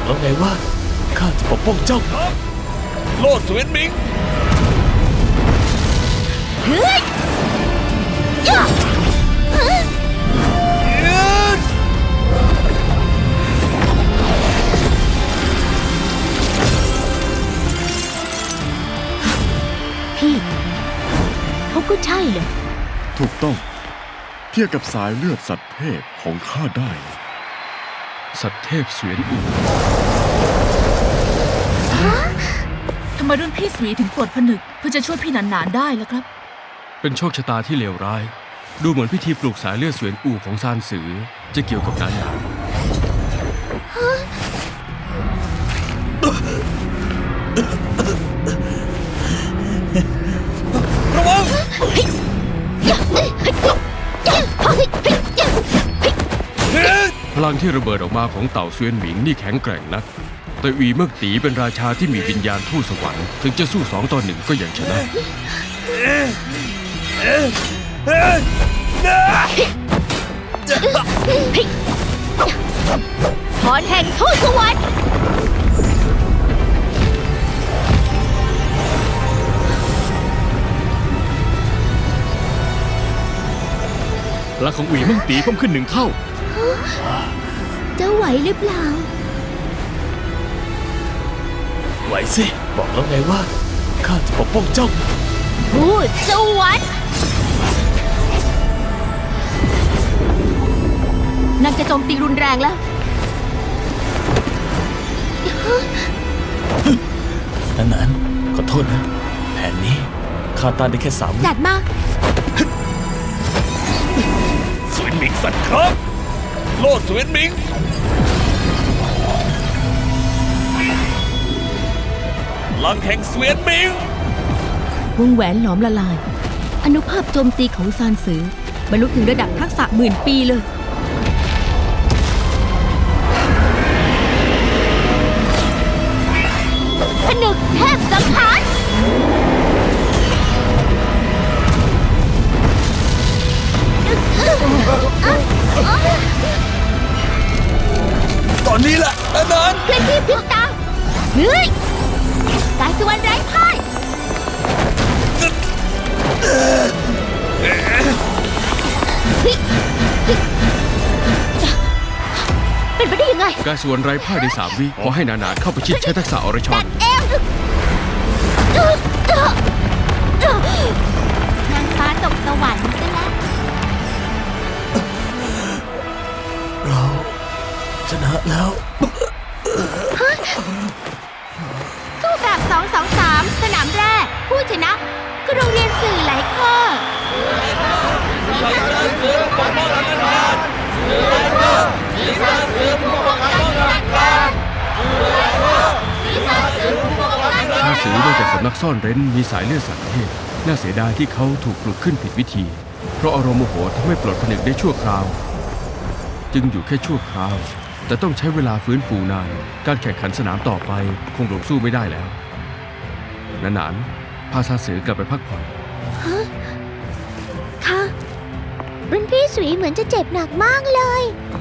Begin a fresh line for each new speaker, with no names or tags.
แล้วไงว่าข้าจะปกป้องเจ้าโลดเสวียนหมิง
เฮ้ยย่าพี่เขาก็ใช่เลย
ถูกต้องเทียบกับสายเลือดสัตว์เทพของข้าได้
สัตว์เทพเสวียนอู
ทำไมรุ่นพี่สวีถึงปลดผนึกเพื่อจะช่วยพี่หนานๆได้ล่ะครับ
เป็นโชคชะตาที่เลวร้าย ดูเหมือนพิธีปลูกสายเลือดเสวียนอูของซานสือจะเกี่ยวกับนั้นนะ
ระวัง
พลังที่ระเบิดออกมาของเต่าเสวียนหมิงนี่แข็งแกร่งนักแต่อีเมิกตีเป็นราชาที่มีวิญญาณทูตสวรรค์ถึงจะสู้2 ต่อ 1ก็ยังชนะ
พรแห่งทูตสวรรค์
พลังของอีเมิกตีเพิ่มขึ้น1 เท่า
จะไหวหรือเปล่า
ไหวสิบอกแล้วไงว่าข้าจะปกป้องเจ้า
ทูตสวรรค์นางจะโจมตีรุนแรงแล้ว
นั้นขอโทษนะแผนนี้ข้าต้านได้แค่3 วิ
จัดมา
เสวียนหมิงสัตว์ครับโลดเสวียนหมิงพลังแห่งเสวียนหมิง
วงแหวนหลอมละลายอนุภาพโจมตีของซานสือบรรลุถึงระดับทักษะ10,000 ปีเลยผนึกเทพสังหาร
ตอนนี้แหละนาน
เคลื่อนที่พริบตาเฮ้ยกายสุวรรณไร้พ่ายเป็นไปได้ยังไง
กายสวนไร้พ่ายใน3 วิขอให้หนาๆเข้าไปชิดใช้ทักษะอรชร
เอวนางฟ้าตกสวรรค์ซะแล้ว
เราชนะแล้ว
สู้แบบ2-2-3สนามแรกผู้ชนะคือโรงเรียนสื่อไหลเคอร์
ชาสือมาจากสำนักซ่อนเร้นมีสายเลือดสัตว์เทพน่าเสียดายที่เขาถูกปลุกขึ้นผิดวิธีเพราะอารมณ์โมโหทำให้ปลดผนึกได้ชั่วคราวจึงอยู่แค่ชั่วคราวแต่ต้องใช้เวลาฟื้นฟูนานการแข่งขันสนามต่อไปคงลงสู้ไม่ได้แล้วหนานๆพาซาสือกลับไปพักผ่อน
ค่ะรุ่นพี่สุยเหมือนจะเจ็บหนักมากเลย